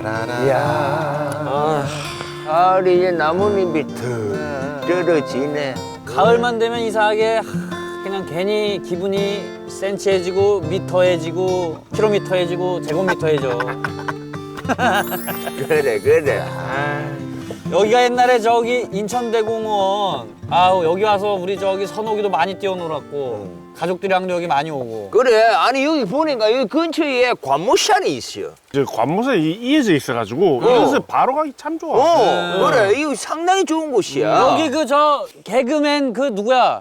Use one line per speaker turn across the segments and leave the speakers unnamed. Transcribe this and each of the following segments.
이야. 가을이 이제 나뭇잎이 턱 떨어지네.
가을만 되면 이상하게 그냥 괜히 기분이 센치해지고 미터해지고 킬로미터해지고 제곱미터해져.
그래.
여기가 옛날에 저기 인천대공원 아우 여기 와서 우리 저기 선옥이도 많이 뛰어놀았고 가족들이랑도 여기 많이 오고.
그래. 아니 여기 보니까 여기 근처에 관모산이 있어요.
이제 관모산이 이어져 있어가지고 이것을 바로 가기 참 좋아.
그래. 이거 상당히 좋은 곳이야.
여기 그 저 개그맨 그 누구야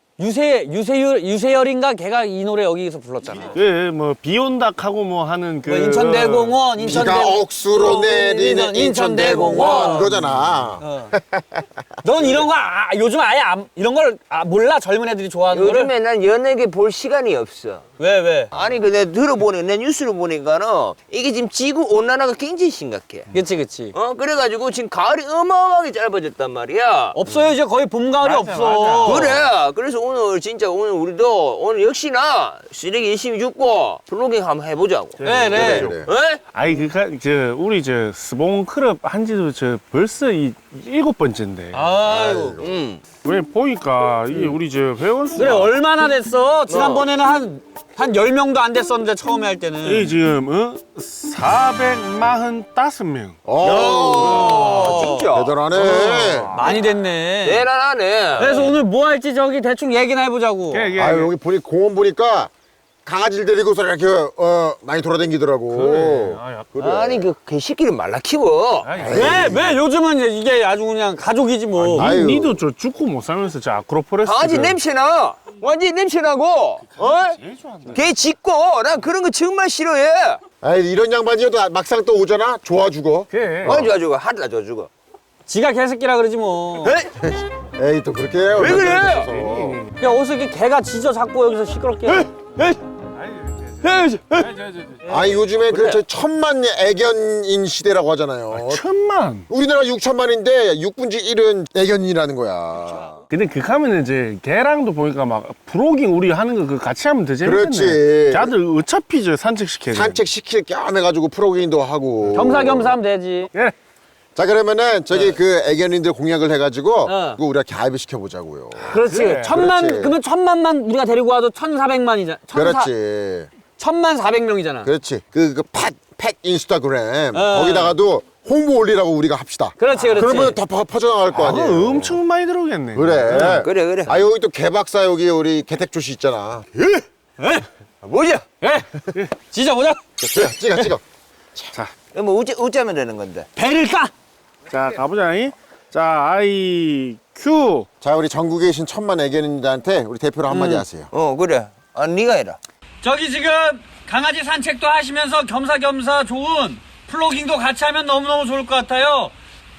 유세열인가 걔가 이 노래 여기서 불렀잖아.
예, 뭐 비온다 하고 뭐 하는 그
뭐 인천대공원
비가
인천대공원
억수로 내리는 인천대공원 그러잖아.
넌 이런 거 요즘 아예 이런 걸 몰라 젊은 애들이 좋아하는 거를.
요즘에 난 연예계 볼 시간이 없어.
왜?
아니 그 내가 들어보니 내 뉴스를 보니까는 이게 지금 지구 온난화가 굉장히 심각해.
그치.
그래가지고 지금 가을이 어마어마하게 짧아졌단 말이야.
없어요 이제 거의 봄 가을이 없어.
그래. 그래서 오늘 진짜 오늘 우리도 오늘 역시나 쓰레기 열심히 줍고 플로깅 한번 해보자고.
네.
그래.
에?
아이 저 우리 저 스봉 클럽 한지도 저 벌써 이 7번째인데.
아이고.
왜 보니까 이게 우리 저 회원 수가
그래 얼마나 됐어? 지난번에는 한 10명도 안 됐었는데 처음에 할 때는.
이 지금 445명.
진짜.
대단하네.
많이 됐네.
대단하네.
그래서 오늘 뭐 할지 저기 대충 얘기나 해보자고.
아유 여기 보니 공원 보니까 강아지를 데리고서 이렇게 많이 돌아다니더라고.
아니 그 개새끼를 말라 키워.
왜 요즘은 이게 아주 그냥 가족이지 뭐.
아유.
니도 저 죽고 못 살면서 저 아크로폴레스
강아지 냄새나. 완전히 냄새나고. 개 짖고. 난 그런 거 정말 싫어해.
아이 이런 양반이어도 막상 또 오잖아. 좋아 죽어.
그래.
좋아주고 하다 줘주고.
지가 개새끼라 그러지 뭐.
에이 또 그렇게 해요.
왜 그래?
야 어디서 이렇게 개가 짖어 자꾸 여기서 시끄럽게.
아니 요즘에 그 저 천만 애견인 시대라고 하잖아요.
1000만.
우리나라 6천만인데 6분지 1은 애견인이라는 거야.
근데 그 가면 이제 걔랑도 보니까 막 프로깅 우리 하는 거 그 같이 하면 더 재밌겠네.
그렇지.
걔들 어차피 저 산책시켜야 돼.
산책시킬 겸 해가지고 프로그램도 하고.
겸사겸사 하면 되지.
예.
자 그러면은 저기 그 애견인들 공약을 해가지고
어.
그거 우리가 가입을 시켜보자고요.
그렇지.
그래,
그러면 1000만만 우리가 데리고 와도 1400만이잖아.
그렇지.
1400명이잖아.
그렇지. 펫 인스타그램 거기다가도 홍보 올리라고 우리가 합시다.
그렇지.
그러면 더 퍼져나갈 거
그거
아니에요.
엄청 많이 들어오겠네.
그래.
그래.
아 여기 또 개박사 여기 우리 개택조 씨 있잖아.
뭐야?
짖어보자.
찍어.
뭐 어쩌면 되는 건데.
배를 까.
자 가보자. 자 아이 큐.
자 우리 전국에 계신 천만 애견인들한테 우리 대표로 한마디 하세요.
그래. 네가 해라.
저기 지금 강아지 산책도 하시면서 겸사겸사 좋은 플로깅도 같이 하면 너무너무 좋을 것 같아요.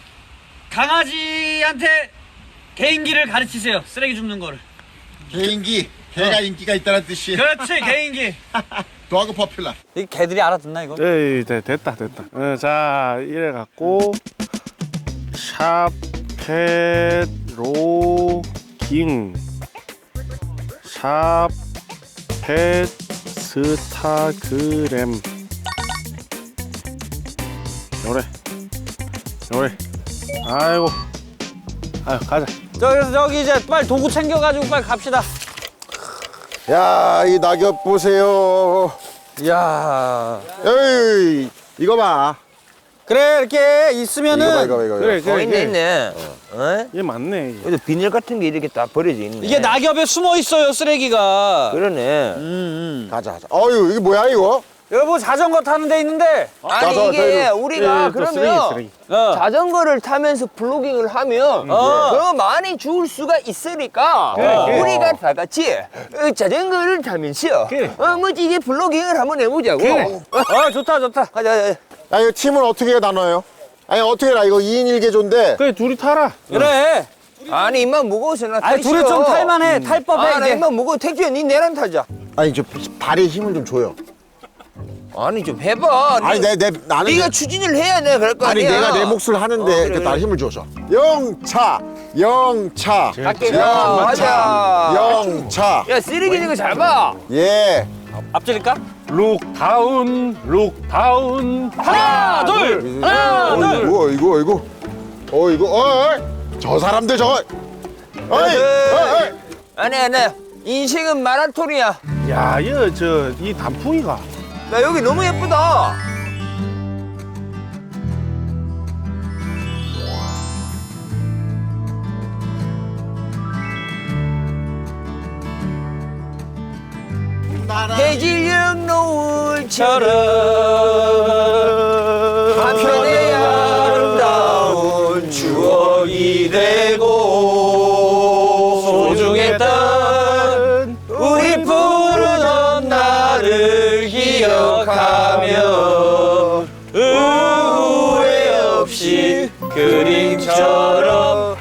강아지한테 개인기를 가르치세요. 쓰레기 줍는 거를.
개인기, 개가 인기가 있다는 뜻이.
그렇지, 개인기.
도하고 퍼퓰러.
이 개들이 알아듣나 이거?
에이 됐다. 자 이래 갖고 샵펫로깅 샵펫스타그램 요래 아이고 가자.
그래서 저기 이제 빨리 도구 챙겨가지고 빨리 갑시다.
야 이 낙엽 보세요.
이야.
에이 이거 봐.
그래 이렇게 있으면은
이거.
그래
있네.
얘 맞네. 이게.
그래도 비닐 같은 게 이렇게 다 버려져 있네.
이게 낙엽에 숨어 있어요 쓰레기가.
그러네.
가자. 어유 이게 뭐야 이거?
여보 자전거 타는 데 있는데.
아니
나도
이게
저기,
우리가
또
그러면
쓰레기.
자전거를 타면서 플로깅을 하면 더 많이 죽을 수가 있으니까
그래.
우리가 다 같이 자전거를 타면서
그래.
멋지게 플로깅을 한번 해보자고.
좋다.
가자.
아 이거 팀은 어떻게 나눠요? 아니 어떻게 해라 이거 2인 1개조인데
그래 둘이 타라.
그래.
아니 입만 무거워서 나
아니
타기
둘이
싫어.
좀 탈만해. 탈 법해
나
이제.
입만 무거워. 택주야 니 내랑 타자.
아니 저 발에 힘을 좀 줘요.
아니 좀 해봐.
아니 나는
네가 추진을 해야 내가 그럴 거
아니
아니야.
내가 내 몫을 하는데
그래.
나 힘을 줘서 영차
갈게. 가자.
영차
야 쓰레기 이거 잘 봐.
예
앞질릴까?
룩다운 룩다운.
하나, 둘, 하나, 둘.
이거. 저 사람들 저거. 어이.
아니 인생은 마라톤이야.
야, 이 단풍이가.
나 여기 너무 예쁘다. 해질녘 노을처럼 한편의 아름다운 추억이 되고 소중했던 우리 푸르던 날을 기억하며 후회 없이 그림처럼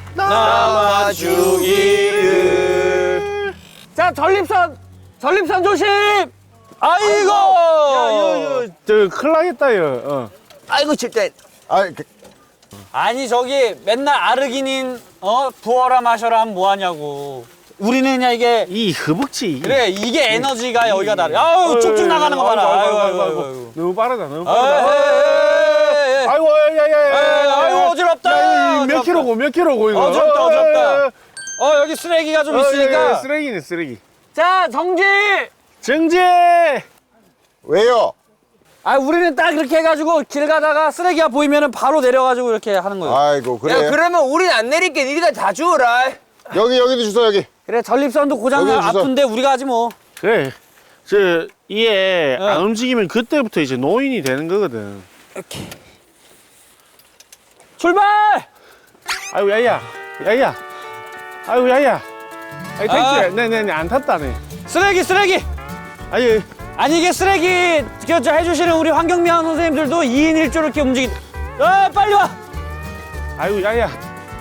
남아주기를.
자, 전립선 조심! 아이고!
저 큰일 나겠다,
아이고 진짜.
아니, 저기 맨날 아르기닌, 부어라 마셔라 하면 뭐하냐고. 우리는 그냥 이게,
이 허벅지.
그래, 이게 에너지가 여기가 다르. 아우, 쭉쭉 나가는 거 봐라. 아이고.
너무 빠르다, 너무 빠르다. 아이고,
아이고, 어지럽다.
야, 몇 킬로고, 이거.
어지럽다. 여기 쓰레기가 좀 있으니까.
쓰레기네, 쓰레기.
자, 정지!
정재!
왜요?
우리는 딱 이렇게 해가지고 길 가다가 쓰레기가 보이면은 바로 내려가지고 이렇게 하는 거예요.
아이고 그래.
야 그러면 우린 안 내릴게. 니가 다 주워라.
여기도 주소 여기.
그래, 전립선도 고장
여기 주소.
아픈데 우리가 하지 뭐.
그래. 이게 안 움직이면 그때부터 이제 노인이 되는 거거든.
이렇게. 출발!
아이고, 야야. 아이고, 야야. 아이, 택지. 네네네, 안 탔다네.
쓰레기!
아니,
아니, 이게 쓰레기 해주시는 우리 환경미화 선생님들도 2인 1조로 이렇게 빨리 와!
아이고, 야야.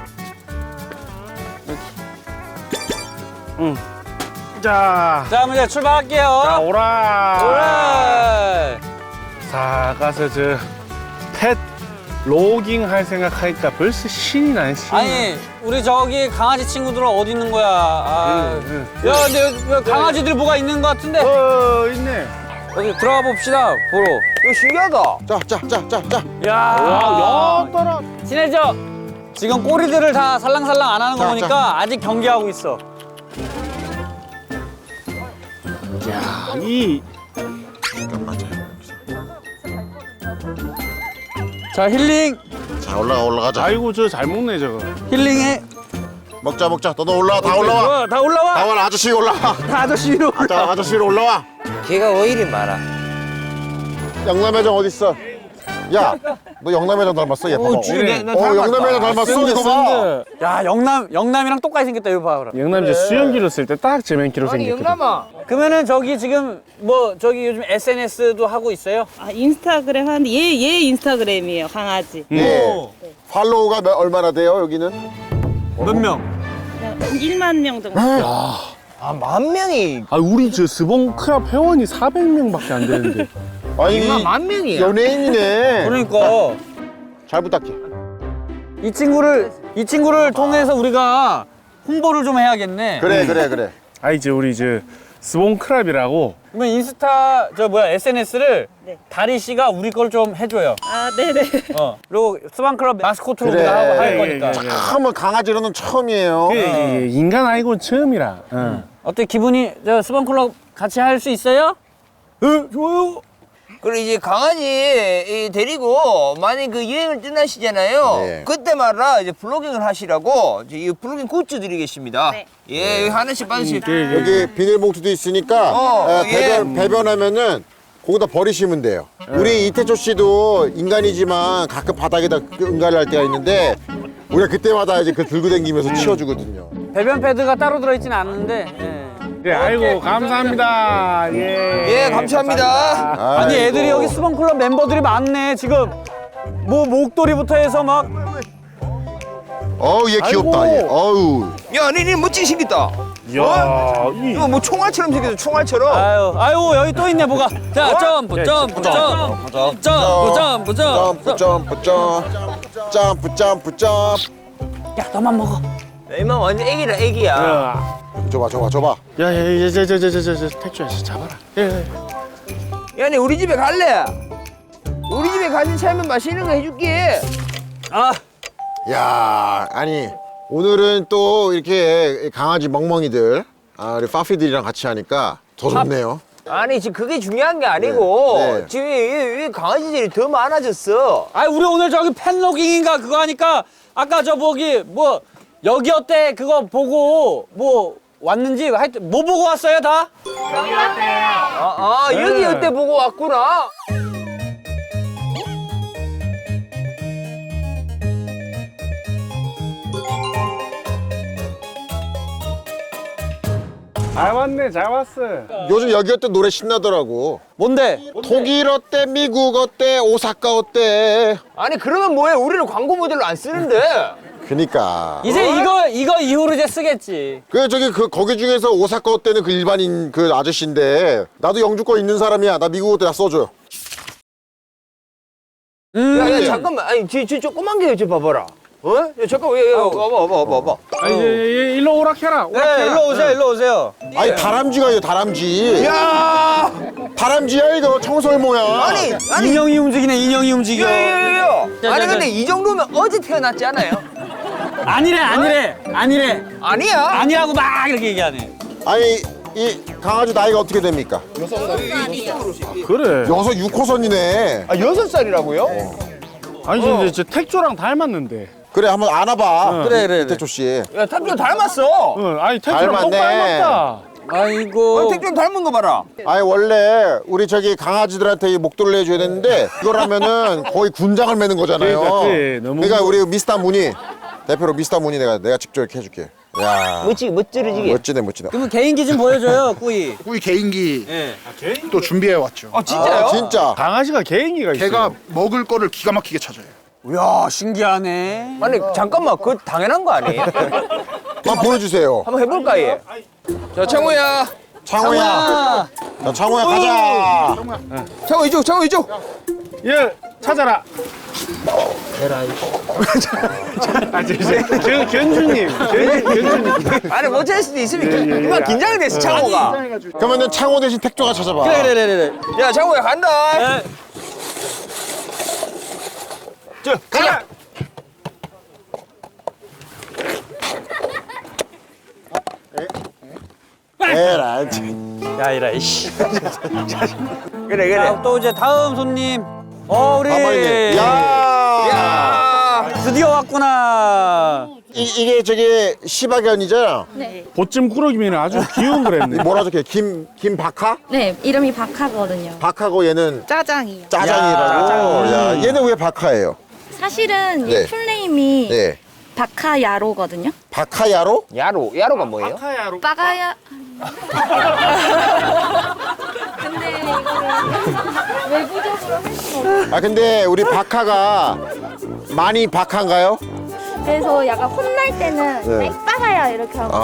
응. 자,
자, 이제 출발할게요.
자, 오라.
오라!
자, 가서 펫 로깅 할 생각하니까 벌써 신이 나네, 신이.
아니, 우리 저기 강아지 친구들은 어디 있는 거야? 야, 근데 여기 강아지들 뭐가 있는 것 같은데?
있네.
여기 들어가 봅시다, 보러.
이거 신기하다.
자.
야,
떨어.
친해져. 지금 꼬리들을 다 살랑살랑 안 하는 거 보니까 아직 경계하고 있어.
야,
자, 힐링.
자 올라가자.
아이고, 잘 먹네, 저거.
힐링해.
먹자. 너도 올라와. 다 올라와.
다 올라와.
다원 아저씨 올라와.
다 아저씨 위로.
자 아저씨 위로 올라와.
걔가 왜 이리 많아?
영남회장 어디 있어? 야, 너 영남회장 닮았어? 얘 봐봐. 영남회장 닮았어. 이거 봐.
야, 영남이랑 똑같이 생겼다. 이거 봐, 그럼.
영남 이제 수영기로 쓸 때 딱 제맨키로 생겼거든.
그러면은 저기 지금 저기 요즘 SNS도 하고 있어요?
인스타그램 하는데 얘 인스타그램이에요, 강아지.
예. 팔로우가 얼마나 돼요 여기는?
몇 명?
한 1만 명 정도.
아 10,000명이.
아, 우리 스봉 클럽 회원이 400명밖에 안 되는데.
아니
인마 10,000명이야.
연예인이네.
그러니까
잘 부탁해.
이 친구를 통해서 우리가 홍보를 좀 해야겠네.
그래.
아, 이제 우리 스봉 클럽이라고.
그러면 인스타 SNS를
네.
다리 씨가 우리 걸 좀 해줘요.
아, 네네.
그리고 스방클럽 마스코트로
그래.
우리가 할
예,
거니까.
예, 예.
처음은 강아지로는 처음이에요.
인간 아니고는 처음이라.
어때 기분이 스방클럽 같이 할 수 있어요? 좋아요.
그리고 이제 강아지 데리고 만약 그 여행을 떠나시잖아요.
네.
그때 말라 이제 블로깅을 하시라고 이제 이 블로깅 굿즈 드리겠습니다.
네.
예, 여기 하나씩 받으실.
여기 비닐봉투도 있으니까 배변하면은 거기다 버리시면 돼요. 우리 이태초 씨도 인간이지만 가끔 바닥에다 응가를 할 때가 있는데 우리가 그때마다 이제 들고 다니면서 치워주거든요.
배변 패드가 따로 들어있지는 않는데. 예.
네, 아이고, 감사합니다.
예, 감사합니다.
아니 애들이 여기 스방클럽 멤버들이 많네 지금. 목도리부터 해서 막.
어우 얘 귀엽다.
아이고.
얘. 어우.
야, 니네 멋지게 생겼다.
이야,
이거 뭐 총알처럼 생겼어, 총알처럼.
아유 여기 또 있네 뭐가. 자 점프.
점프.
야 너만 먹어.
야, 이만 완전 애기라, 애기야.
줘봐.
야야야 택주야 잡아라. 예.
야, 니 우리 집에 갈래? 우리 집에 가진 차면 맛있는 거 해줄게.
아,
야, 아니 오늘은 또 이렇게 강아지 멍멍이들, 우리 파피들이랑 같이 하니까 더 좋네요.
아니, 지금 그게 중요한 게 아니고
네.
지금 이 강아지들이 더 많아졌어.
아 우리 오늘 저기 팬로깅인가 그거 하니까 아까 저 보기 뭐 여기 어때 그거 보고 뭐 왔는지 하여튼 뭐 보고 왔어요 다?
여기 어때 보고 왔구나.
잘 왔어.
요즘 여기 어때 노래 신나더라고.
뭔데?
독일 어때, 미국 어때, 오사카 어때.
아니, 그러면 뭐해? 우리는 광고 모델로 안 쓰는데.
그니까.
이제 이거 이후로 이제 쓰겠지.
거기 중에서 오사카 어때는 그 일반인 그 아저씨인데 나도 영주권 있는 사람이야. 나 미국 어때 나 써줘.
야, 잠깐만. 아니, 저 조그만 게 좀 봐봐라. 어? 야, 잠깐만. 야, 와봐.
아니 일로 오락해라.
네, 일로 오세요.
아니 다람쥐가 다람쥐.
야!
다람쥐야 이거 청설모야.
아니,
인형이 움직이네, 인형이 움직여.
야.
자,
아니,
자,
근데 이 정도면 어제 태어났지 않아요?
아니래.
아니야.
아니라고 막 이렇게 얘기하네.
아니 이 강아지 나이가 어떻게 됩니까?
그래.
6호선이네.
6살이라고요?
아니 저 택조랑 닮았는데.
그래 한번 안아봐.
그래.
태초 씨.
야, 탁조 닮았어.
응. 아니 택조랑 똑
닮았네.
닮았다.
아이고.
탁조 닮은 거 봐라.
아니 원래 우리 저기 강아지들한테 이 목도리를 해줘야 되는데 이걸 하면은 거의 군장을 매는 거잖아요.
그러니까 너무
그러니까 우리 미스터 무늬 대표로 미스터 무늬 내가 직접 이렇게 해줄게. 야
멋지르지게.
멋지다.
그러면 개인기 좀 보여줘요, 꾸이.
우리 개인기
예.
또 준비해 왔죠.
진짜요?
진짜.
강아지가 개인기가 있어.
걔가 먹을 거를 기가 막히게 찾아요.
이야, 신기하네.
아니, 잠깐만. 그거 당연한 거 아니에요?
한번 보여주세요.
한번 해볼까, 얘? 자, 창호야.
창호야. 자, 창호야 가자.
창호 이쪽.
예 찾아라. 견주님.
아니, 못 찾을 수도 있으니까.
예.
그만 긴장이 됐어, 창호가.
그러면은 창호 대신 택조가 찾아봐.
그래.
야, 창호야, 간다.
예.
가자.
에라.
야, 이라, 이씨.
그래.
또 이제 다음 손님. 우리.
가만히. 야.
야.
드디어 왔구나.
이게 저기 시바견이잖아.
네.
보찜 꾸러기면 아주 귀여운 거랬네.
뭐라 적혀? 김박하?
네, 이름이 박하거든요.
박하고 얘는
짜장이요.
짜장이라고. 야, 얘는 왜 박하예요?
사실은
네.
이 풀네임이
네.
박하야로거든요.
박하야로?
야로가 뭐예요?
빠가야. 근데 이거를 외부적으로 할 수가 없어요.
아 근데 우리 박하가 많이 박한가요?
그래서 약간 혼날 때는
네.
빠가야 이렇게 하고.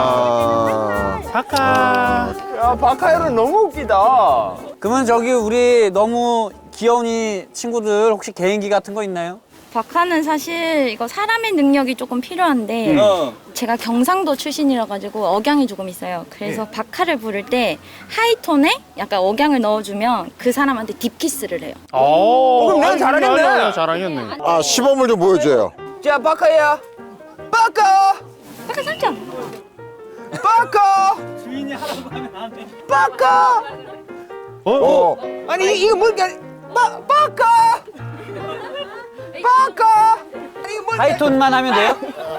박하.
야, 박하열은 너무 웃기다.
그러면 저기 우리 너무 귀여운 이 친구들 혹시 개인기 같은 거 있나요?
박하는 사실 이거 사람의 능력이 조금 필요한데 제가 경상도 출신이라 가지고 억양이 조금 있어요. 그래서 박하를 부를 때 하이톤에 약간 억양을 넣어주면 그 사람한테 딥키스를 해요.
그럼 내가 잘하겠네.
잘하겠네.
아 시범을 좀 보여줘요.
자, 박하야. 박하.
약간 살짝.
박하.
주인이 하라고 하면 안 돼.
박하.
어.
아니, 이거 뭘까? 박하. 박하. 아니, 이거 뭘까?
하이톤만 하면 돼요?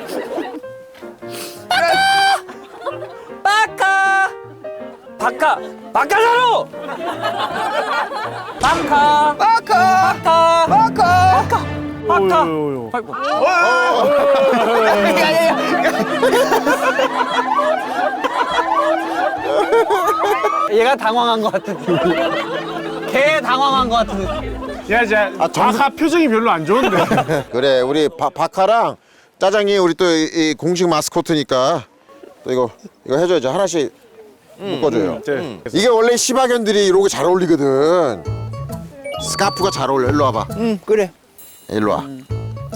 바카! 바카! 바카자로! 바카!
박하.
바카!
박하.
바카!
어이구.
아이고. 얘가 당황한 것 같은데. 걔 당황한 것 같은데.
야, 자, 박하 표정이 별로 안 좋은데.
그래 우리 박하랑 짜장이 우리 또 이 공식 마스코트니까 또 이거 해줘야죠. 하나씩 묶어줘요. 이게 원래 시바견들이 이러고 잘 어울리거든. 스카프가 잘 어울려. 일로 와봐.
그래.
일로 와.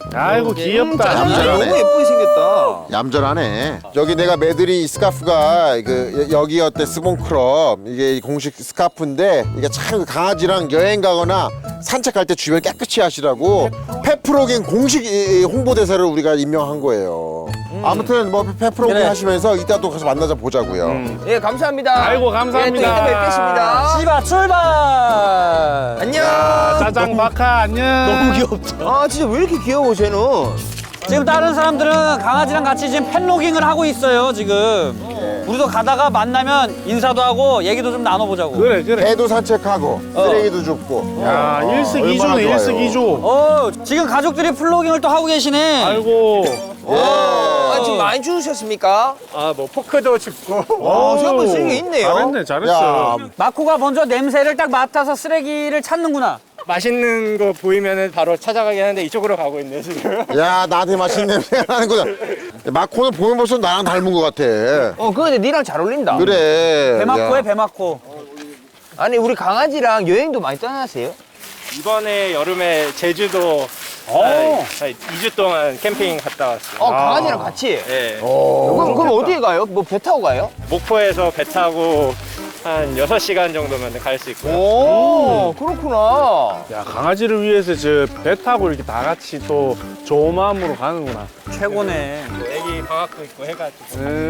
아이고 귀엽다.
짜장면
얌전하네.
너무 예쁘게 생겼다.
얌전하네. 여기 내가 매드린 이 스카프가 여기 어때 스본크럽 이게 공식 스카프인데 이게 참 강아지랑 여행 가거나 산책할 때 주변 깨끗이 하시라고 페프로깅 공식 홍보대사를 우리가 임명한 거예요. 아무튼 뭐 페프로깅
그래.
하시면서 이따 또 가서 만나자 보자고요.
예, 감사합니다.
아이고, 감사합니다.
예, 또 이따 뵙겠습니다.
씨바 출발.
안녕.
짜장 박하 안녕.
너무 귀엽다.
아, 진짜 왜 이렇게 귀여워, 쟤는?
지금 다른 사람들은 강아지랑 같이 지금 펫로깅을 하고 있어요 지금. 우리도 가다가 만나면 인사도 하고 얘기도 좀 나눠보자고.
그래 그래.
개도 산책하고 쓰레기도 줍고.
야 일석이조네
얼마나
일석이조.
지금 가족들이 플로깅을 또 하고 계시네.
아이고.
아, 지금 많이 주우셨습니까?
아, 뭐 포크도 짚고
생각보다 쓰레기가 있네요.
잘했네 잘했어.
야,
마코가 먼저 냄새를 딱 맡아서 쓰레기를 찾는구나.
맛있는 거 보이면은 바로 찾아가긴 하는데 이쪽으로 가고 있네 지금.
야 나한테 맛있는 냄새가 나는구나. 마코는 보면 벌써 나랑 닮은 것 같아.
근데 니랑 잘 어울린다.
그래.
배마코에
야.
배마코.
아니, 우리 강아지랑 여행도 많이 떠나세요?
이번에 여름에 제주도 한 2주 동안 캠핑 갔다 왔어요.
강아지랑 같이?
네.
그럼 어디에 가요? 뭐 배 타고 가요?
목포에서 배 타고 한 6시간 정도면 갈 수 있고요.
오, 그렇구나.
야 강아지를 위해서 저 배 타고 이렇게 다 같이 또 좋은 마음으로 가는구나.
최고네.
애기 방학도 있고 해가지고.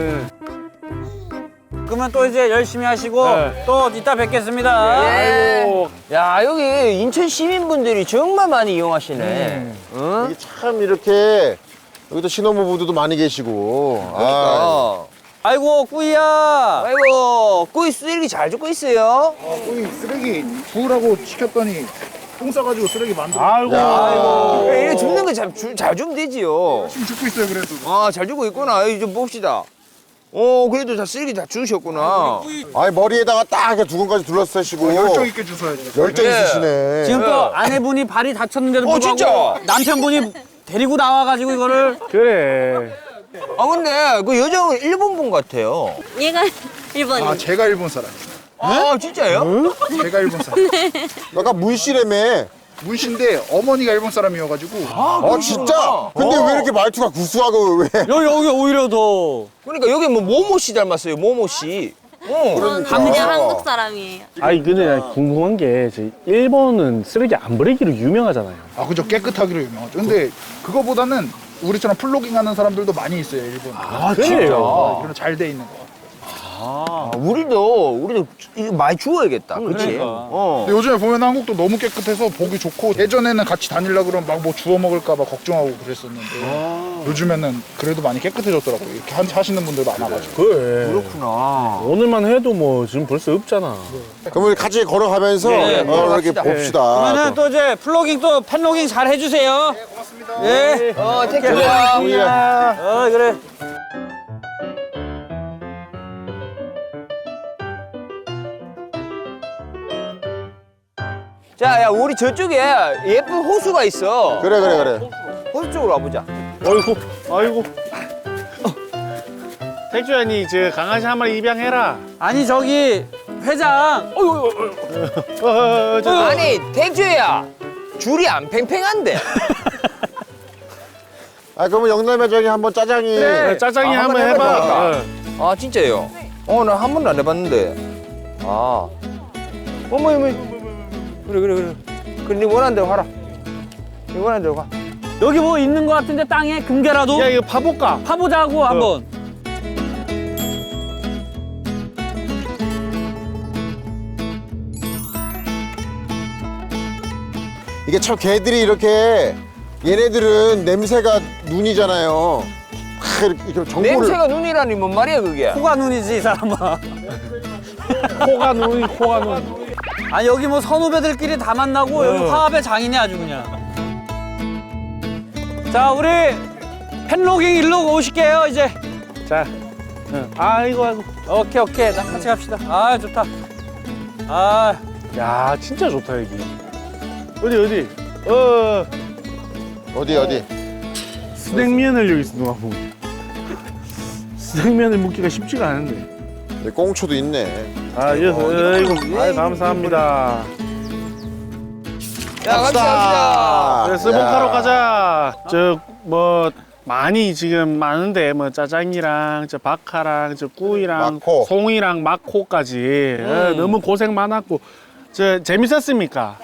그러면 또 이제 열심히 하시고
네.
또 이따 뵙겠습니다.
아이고.
야, 여기 인천 시민분들이 정말 많이 이용하시네. 응?
이게 참 이렇게 여기도 신혼부부도 많이 계시고. 아,
그러니까.
아이고 꾸이야.
아이고, 꾸이 쓰레기 잘 줍고 있어요.
쓰레기 주우라고 시켰더니 똥 싸가지고 쓰레기 만들어.
아이고.
이래 줍는 거 잘 주면 되지요.
열심히 줍고 있어요 그래도.
아, 잘 주고 있구나. 여기 좀 봅시다. 그래도 다 쓰레기 다 주우셨구나.
아니 머리에다가 딱 이렇게 두근까지 둘러싸시고
열정 있게 주워야지.
열정
예.
있으시네.
지금 또 아내분이 발이 다쳤는데도 불구하고
진짜?
남편분이 데리고 나와가지고 이거를
그래.
근데 그 여자분 일본 분 같아요.
얘가 일본인.
아 제가 일본 사람.
진짜요?
제가 일본 사람.
약간 문씨라며.
문신데 어머니가 일본 사람이어가지고.
진짜? 근데 왜 이렇게 말투가 구수하고 왜?
여기 오히려 더
그러니까 여기 뭐 모모 씨 닮았어요. 모모 씨.
저는 그냥 한국 사람이에요.
아니 근데 나 궁금한 게 저 일본은 쓰레기 안 버리기로 유명하잖아요.
아 그죠 깨끗하기로 유명하죠. 근데 그거보다는 우리처럼 플로깅하는 사람들도 많이 있어요 일본.
그래요.
그런 잘 돼 있는 거.
우리도 이거 많이 주워야겠다. 그치?
그러니까.
근데 요즘에 보면 한국도 너무 깨끗해서 보기 좋고 예전에는 같이 다니려고 그러면 막 뭐 주워 먹을까 봐 걱정하고 그랬었는데 요즘에는 그래도 많이 깨끗해졌더라고요. 이렇게 하시는 분들도 많아가지고.
그래.
그렇구나.
오늘만 해도 뭐 지금 벌써 없잖아.
그럼 우리 같이 걸어가면서
네,
이렇게
걸어갑시다.
봅시다.
그러면은 또 이제 플로깅 또 팬로깅 잘 해주세요. 네, 고맙습니다. 예.
택배야.
그래.
자, 야, 우리 저쪽에 예쁜 호수가 있어.
그래 그래 그래.
호수 쪽으로 와보자.
아이고. 택주야 니저 강아지 한 마리 입양해라.
아니 저기 회장.
아니, 택주야. 줄이 안 팽팽한데.
그러면 영남에 저기 한번 짜장이.
그래.
짜장이
한번
한번 해봐.
해볼까? 아, 진짜요? 나 한 번도 안 해봤는데. 어머. 그래. 그래, 네 원하는 대로 가라. 네 원하는 대로 가.
여기 뭐 있는 것 같은데 땅에 금괴라도
야 이거 파볼까?
파보자고 한번.
이게 참 개들이 이렇게 얘네들은 냄새가 눈이잖아요. 이렇게 정보를.
냄새가 눈이라니 뭔 말이야, 그게?
코가 눈이지 이 사람아.
코가 눈.
아 여기 뭐 선후배들끼리 다 만나고 여기 화합의 장이네 아주 그냥. 자 우리 팬로깅 일로 오실게요 이제.
자. 아이고.
오케이 나 같이 갑시다. 아 좋다.
야 진짜 좋다 여기. 어디?
어디?
스낵면을 여기서 누가 보면. 스낵면을 먹기가 쉽지가 않은데.
꽁초도 있네.
아이고 감사합니다.
야, 갑시다.
그래 스봉카로 가자. 저 뭐 많이 지금 많은데 뭐 짜장이랑 저 박하랑 저 꾸이랑
마코.
송이랑 마코까지 너무 고생 많았고 저 재밌었습니까?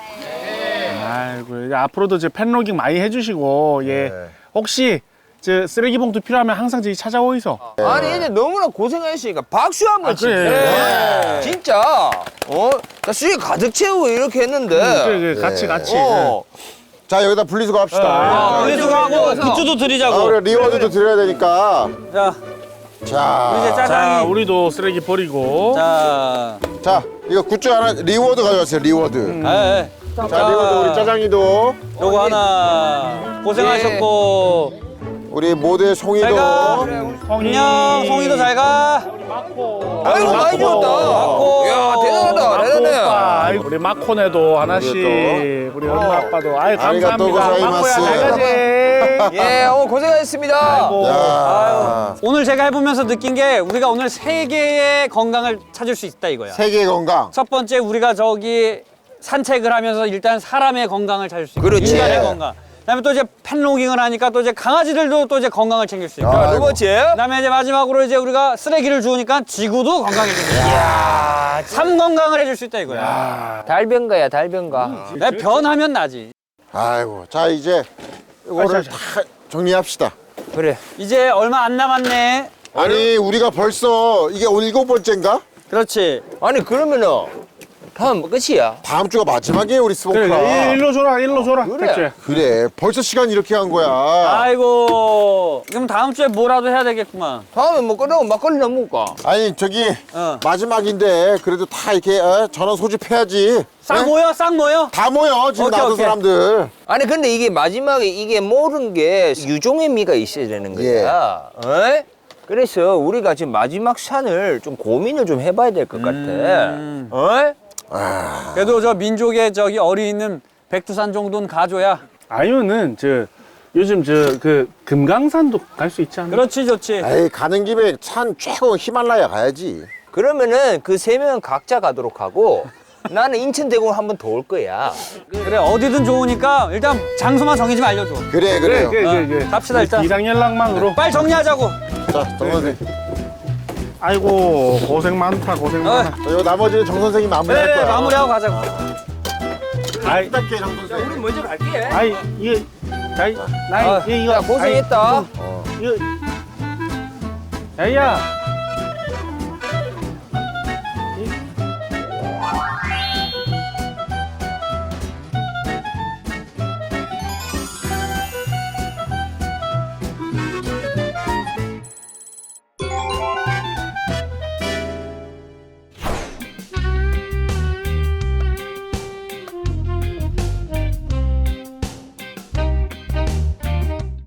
아이고 이제 앞으로도 저 팬로깅 많이 해주시고 예 혹시 저 쓰레기 봉투 필요하면 항상 저기 찾아오이소.
아니 이제 너무나 고생하셨으니까 박수 한번 치게.
그래.
진짜. 나 수익 가득 채우고 이렇게 했는데.
그래 같이 같이.
자 여기다 분리수거 합시다.
아, 분리수거하고 굿즈도 드리자고.
우리 리워드도 드려야 되니까.
자,
자,
이제
자
짜장이.
우리도 쓰레기 버리고.
자,
자 이거 굿즈 하나 리워드 가져왔어요. 리워드.
에,
자 리워드 우리 짜장이도
요거 하나. 고생하셨고.
우리 모두의
잘
송이도.
가.
송이.
안녕, 송이도 잘 가.
아이고 많이 줬다. 야 대단하다. 대단해.
아이고, 우리 마코네도 하나씩 우리 엄마 아빠도 아이
아리가또
감사합니다. 마코야
고자이마스.
잘 가지.
예, 오늘 고생하셨습니다.
야,
오늘 제가 해보면서 느낀 게 우리가 오늘 세 개의 건강을 찾을 수 있다 이거야.
세계 건강.
첫 번째 우리가 저기 산책을 하면서 일단 사람의 건강을 찾을 수 있고
그렇지.
인간의 건강. 그다음에 또 이제 팬로깅을 하니까 또 이제 강아지들도 또 이제 건강을 챙길 수 있고.
두 번째.
그다음에 이제 마지막으로 이제 우리가 쓰레기를 주우니까 지구도 건강해질 수 있다. 삶 건강을 해줄 수 있다 이거야.
달변가야 달변가.
내 변하면 나지.
아이고, 자 이제 이거를 다 정리합시다.
그래.
이제 얼마 안 남았네.
아니 우리가 벌써 이게 7번째인가?
그렇지.
아니 그러면은 다음 끝이야.
다음 주가 마지막이에요 우리 스모크라.
그래 일로 줘라 일로 줘라.
그래.
택주야.
그래 벌써 시간 이렇게 한 거야.
아이고. 그럼 다음 주에 뭐라도 해야 되겠구만.
다음에 뭐 끝나고 막걸리나 먹을까?
아니 저기
어.
마지막인데 그래도 다 이렇게 전원 소집해야지.
싹
네?
모여, 싹 모여.
다 모여 지금
오케이,
나온
오케이.
사람들.
아니 근데 이게 마지막에 이게 모든 게 유종의 미가 있어야 되는 거야. 어? 그래서 우리가 지금 마지막 산을 좀 고민을 좀 해봐야 될 것 같아. 어?
그래도 저 민족의 저기 어리 있는 백두산 정도는 가줘야.
아니면은 저 요즘 저 그 금강산도 갈 수 있지 않나?
그렇지, 좋지.
에이 가는 김에 산 최고 히말라야 가야지.
그러면은 그 세 명 각자 가도록 하고 나는 인천 대공을 한번 더 올 거야.
그래, 어디든 좋으니까 일단 장소만 정해지 말려줘.
그래 그래요.
갑시다, 일단.
비상 연락망으로.
빨리 정리하자고.
자 정선생.
아이고 고생 많다 고생 많아.
이거 나머지는 정 선생이 마무리할
네,
거야.
마무리하고 가자고.
아이
부탁해 정 선생.
우리 먼저 갈게.
아이 이거 나이
아,
이거
야 고생했다.
이거 야야